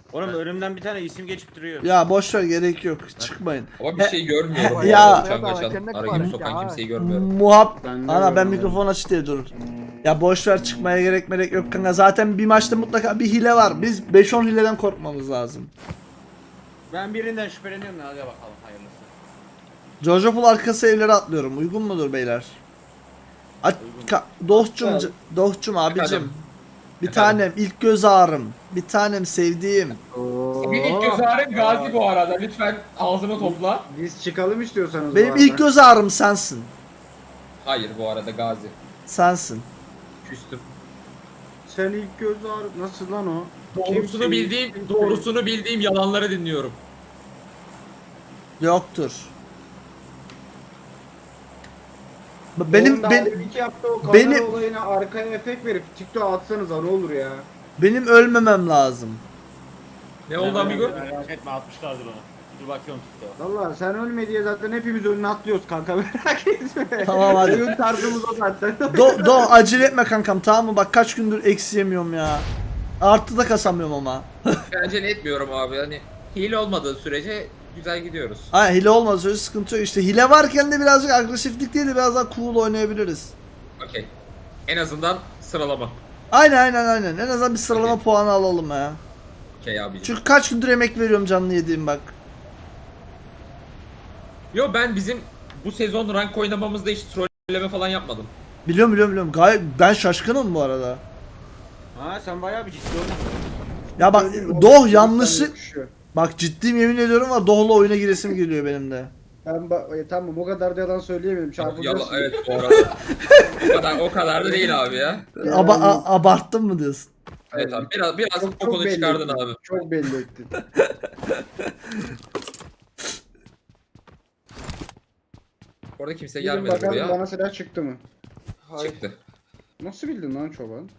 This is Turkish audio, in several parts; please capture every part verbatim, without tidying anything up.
Oğlum önümden bir tane isim geçip duruyor. Ya boş ver, gerek yok. Çıkmayın. Ama bir şey görmüyorum. Ya- Ya. Çangaçan arayıp sokan kimseyi görmüyorum. Muhab... Ben de Ana ben görmüyorum. mikrofon açık diye dur. Ya boş ver, çıkmaya gerek merek yok kanka. Zaten bir maçta mutlaka bir hile var. Biz beş on hileden korkmamız lazım. Ben birinden şüpheleniyorum da hadi bakalım hayırlısı. Jojo Pool arkası evlere atlıyorum. Uygun mudur beyler? A Ka- Dohçum, c- Dohçum abicim. Efendim? Bir Efendim? tanem ilk göz ağrım. Bir tanem sevdiğim. Oo. Bir ilk göz ağrım Gazi bu arada. Lütfen ağzını topla. Biz çıkalım istiyorsanız bu Benim arada. ilk göz ağrım sensin. Hayır bu arada Gazi. Sensin. Küstüm. Sen ilk göz ağrı... Nasıl lan o? Doğrusunu Kim- bildiğim, kim- doğrusunu bildiğim yalanları dinliyorum. Yoktur. Benim Oğlum daha ben, ilk yaptığı o kamera benim- olayına arkaya efekt verip TikTok'a atsanıza ne olur ya. benim ölmemem lazım. Ne oldu amigo? Merak etme atmışlardır onu. Dur bakıyorum TikTok'a. Valla sen ölme diye zaten hepimiz önüne atlıyoruz kanka merak etme. Tamam, hadi. Oyun tarzımız o zaten. Do, do acele etme kankam, tamam mı? Bak kaç gündür eksi yemiyorum ya. Artı da kasamıyorum ama. Bence ne etmiyorum abi. Hani hile olmadığı sürece güzel gidiyoruz. Ha, hile olmaz, öyle sıkıntı yok. İşte hile varken de birazcık agresiflik değil de biraz daha cool oynayabiliriz. Okey. En azından sıralama. Aynen aynen aynen. En azından bir sıralama Okey. puanı alalım ya. Okey abicim. Çünkü kaç gündür emek veriyorum canlı yediğim bak. Yo ben bizim bu sezon rank oynamamızda hiç trolleme falan yapmadım. Biliyorum biliyorum biliyorum. Gayet ben şaşkınım bu arada. Ha sen bayağı bir ciddi olmuşsun. Ya bak O- Doh yanlışı. yakışıyor. Bak ciddiyim, yemin ediyorum var, Doh'la oyuna giresim geliyor benim de. Ben ba- e, tamam o kadar da yalan söyleyemiyorum Yala, çarpılırsın. evet bu arada. o kadar o kadar da değil abi ya. Yani- Aba a- abarttın mı diyorsun? Evet abi biraz biraz Çok- çok kokunu belli çıkardın ettin. abi. Çok belli ettin. Orada kimse Gidin gelmedi bakalım buraya. bana silah çıktı mı? Çıktı. Nasıl bildin lan çoban?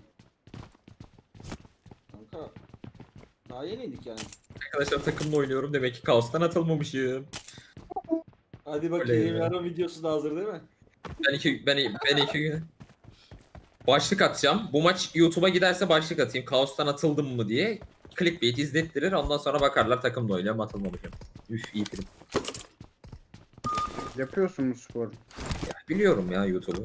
Kanka. Daha yeni indik yani. Arkadaşlar takımla oynuyorum demek ki kaostan atılmamışım. Hadi bakayım, yarın videosu da hazır değil mi? Ben iki ben ben iki gün başlık atacağım. Bu maç YouTube'a giderse başlık atayım. Kaostan atıldım mı diye. Clickbait izlettirir. Ondan sonra bakarlar takımla oynuyorum atılmamışım. Üf iyi film. Yapıyorsun bu sporu. Biliyorum ya YouTube'u.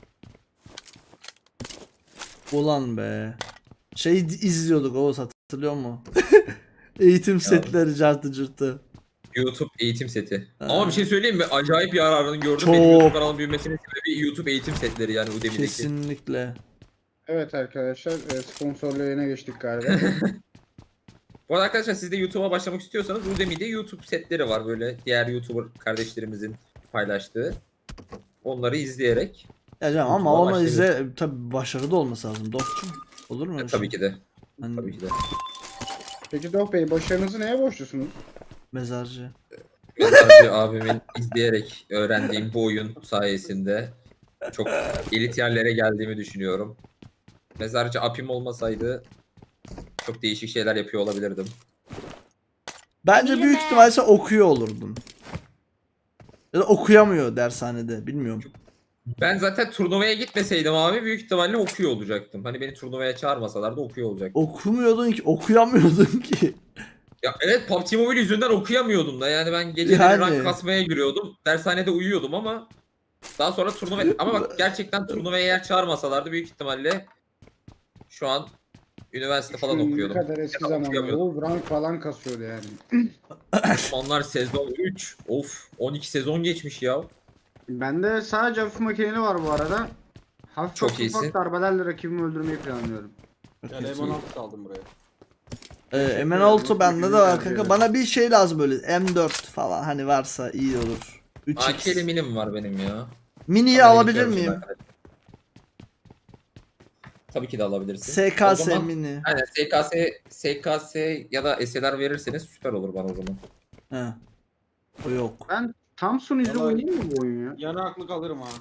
Ulan be. Şey izliyorduk, Oğuz hatırlıyor musun? Eğitim setleri cartı cırtı. YouTube eğitim seti. Ha. Ama bir şey söyleyeyim mi? Acayip bir yararını gördüm. Çok. Benim YouTube kanalım büyümesinin sebebi YouTube eğitim setleri yani Udemy'deki. Kesinlikle. Evet arkadaşlar e, sponsorlu yayına geçtik galiba. Bu arada arkadaşlar siz de YouTube'a başlamak istiyorsanız Udemy'de YouTube setleri var böyle diğer YouTuber kardeşlerimizin paylaştığı. Onları izleyerek Ya canım ama YouTube'a onu başlayabilir. izle, tabi başarılı olması lazım dostum. Olur mu? E, öyle tabii şey? ki de. Hani Tabii ki de. Peki Doh Bey başarınızı neye borçlusunuz? Mezarcı. Mezarcı abimin izleyerek öğrendiğim bu oyun sayesinde çok elit yerlere geldiğimi düşünüyorum. Mezarcı apim olmasaydı çok değişik şeyler yapıyor olabilirdim. Bence büyük ihtimalle sen okuyor olurdun. Ya da okuyamıyor dershanede, bilmiyorum. Ben zaten turnuvaya gitmeseydim abi büyük ihtimalle okuyor olacaktım. Hani beni turnuvaya çağırmasalar da okuyor olacaktım. Okumuyordun ki, okuyamıyordun ki. Ya evet P U B G Mobile yüzünden okuyamıyordum da yani ben geceleri Yani. rank kasmaya giriyordum. Dershanede uyuyordum ama daha sonra turnuva ama bak gerçekten turnuvaya eğer çağırmasalardı büyük ihtimalle şu an üniversite falan Şu okuyordum. Ne kadar eski Ya da zamanlar. okuyamıyordum. O rank falan kasıyordu yani. Onlar sezon üç. Of on iki sezon geçmiş ya. Bende sadece hafif makineli var bu arada. Hafif Çok ufak iyisin. darbelerle rakibimi öldürmeyi planlıyorum. Yani M on altı aldım buraya. Ee, M altı bende de var kanka. Bana bir şey lazım böyle M dört falan, hani varsa iyi olur. üç A X. K'li minim var benim ya. Mini'yi Ama alabilir bekliyorum miyim? şimdi arkadaşlar. Tabii ki de alabilirsin. S K O S zaman- Mini. Aynen S K S, S K S ya da S L R verirseniz süper olur bana o zaman. He. O yok. Ben Thompson ile Vallahi- oynayayım mı bu oyunu ya? Yanaklık alırım ha.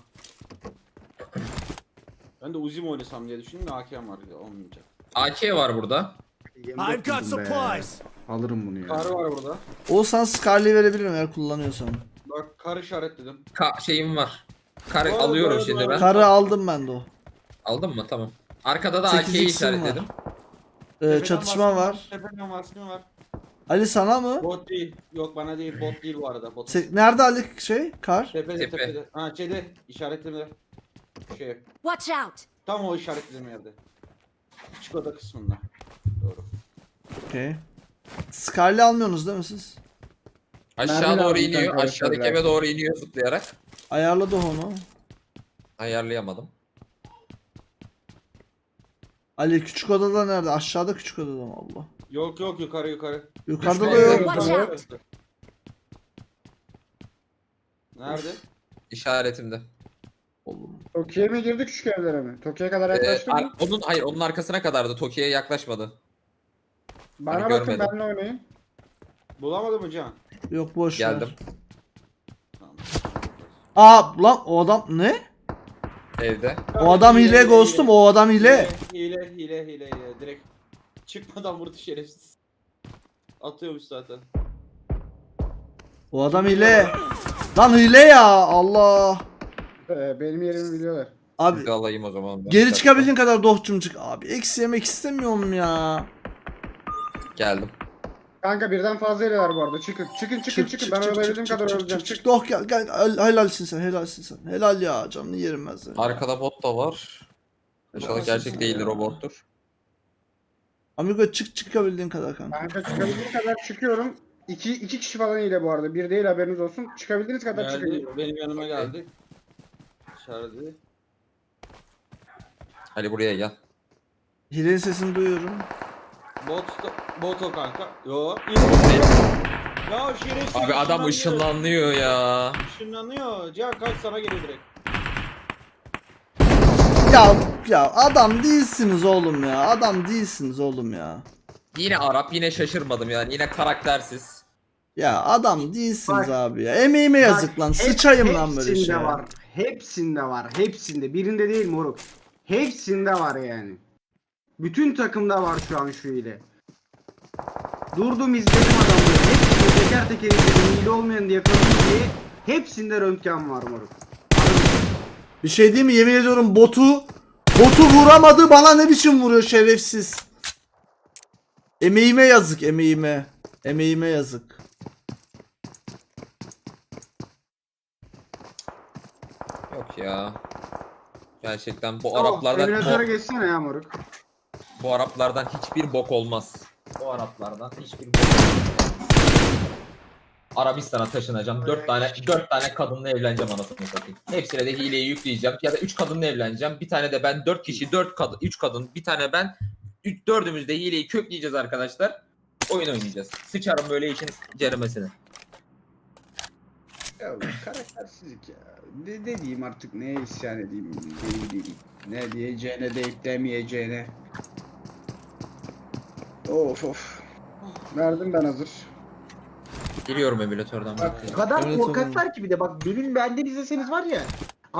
Ben de Uzi mi oynasam diye düşündüm de A K'm var ya olmayacak. A K var burada. I've got supplies. Alırım bunu ya. Kar var burada. Olsan Scarlet'i verebilirim eğer kullanıyorsan. Bak kar işaretledim. Ka şeyim var. Kar Var, alıyorum var, şimdi var. ben. Karı aldım ben de o. Aldın mı? Tamam. Arkada da sekiz A K'yi X'im var. işaretledim. Tepeden çatışma baskın var. Tepeden baskın var. Ali sana mı? Bot değil. Yok bana değil. Bot değil bu arada. Bot. Se- Nerede Ali şey? Kar. Tepede Tepe. tepede. Ha şeyde işaretlemede. Şey. Watch out! Tam o işaretlediğim yerde. Küçük oda kısmında. Doğru. Okey. Scarlet almıyorsunuz değil mi siz? Aşağı Mermi doğru lazım iniyor. kanka, Aşağıdaki biraz. eve doğru iniyor zıplayarak. Ayarladı onu. Ayarlayamadım. Ali küçük odada nerede? Aşağıda küçük odada mı Allah? Yok yok yukarı yukarı. Yukarıda da Düşman yok. Watch out. Nerede? İşaretimde. Oğlum. Tokyo'ya mı girdi küçük evlere mi? Tokyo'ya kadar Ee, yaklaştın ar- mı? onun hayır onun arkasına kadardı. Tokyo'ya yaklaşmadı. Bana hani bakın görmedim. benimle oynayın. Bulamadın mı Can? Yok boş Geldim. ver. Aa lan o adam ne? Evde. O adam hile ghostum, o adam hile. Hile hile hile hile. Direkt çıkmadan vurdu şerefsiz. Atıyormuş zaten. O adam hile. Lan hile ya Allah. Ee, benim yerimi biliyorlar. Abi Sizi alayım o zaman. ben. geri çıkabildiğin kadar dohçum çık. Abi eksi yemek istemiyorum ya. Geldim. Kanka birden fazla yeri var bu arada. Çıkın çıkın çıkın çıkın. Ben olabildiğim kadar çık, öleceğim. çık, çık, doh gel gel Hel- helalsin sen helalsin sen. Helal ya canını yerim ben seni. Arkada bot da var. İnşallah Nasıl gerçek sen değildir ya? o bottur. Amigo çık çıkabildiğin kadar kanka. Kanka çıkabildiğim kadar çıkıyorum. İki, iki kişi falan ile bu arada. Bir değil haberiniz olsun. Çıkabildiğiniz kadar çıkın. Geldi, benim yanıma geldi. İşareti. Ali buraya gel. Hilenin sesini duyuyorum. Bot, bot o kanka. Yo. Ya şerefsiz. Abi adam ışınlanıyor ya. Işınlanıyor. Can kaç sana geliyor direkt. Ya ya adam değilsiniz oğlum ya. Adam değilsiniz oğlum ya. Yine Arap yine şaşırmadım yani yine karaktersiz. Ya adam değilsiniz Bak- abi ya. Emeğime yazık lan. Hep- Sıçayım lan böyle hepsinde şey. var. Hepsinde var. Hepsinde. Birinde değil moruk. Hepsinde var yani. Bütün takımda var şu an şu ile. Durdum izledim adamları. Hepsini teker teker izledim. Hile olmayan diye yakaladım diye. Hepsinde röntgen var moruk. Bir şey değil mi? Yemin ediyorum botu botu vuramadı bana ne biçim vuruyor şerefsiz. Emeğime yazık emeğime. Emeğime yazık. Yok ya. Gerçekten bu Tamam, Araplardan emülatöre bu, geçsene ya moruk. bu Araplardan hiçbir bok olmaz. Bu Araplardan hiçbir bok olmaz. Arabistan'a taşınacağım. Dört tane dört tane kadınla evleneceğim anasını satayım. Hepsine de hileyi yükleyeceğim. Ya da üç kadınla evleneceğim. Bir tane de ben dört kişi dört kadın üç kadın bir tane ben üç, dördümüz de hileyi kökleyeceğiz arkadaşlar. Oyun oynayacağız. Sıçarım böyle işin ceremesine. Ya karaktersizlik ya. Ne, ne diyeyim artık neye isyan edeyim değil değil. Ne diyeceğine deyip demeyeceğine. Of of. Verdim ben hazır. Geliyorum emülatörden. Bak o kadar korkaklar ki bir de bak benim benden izleseniz var ya.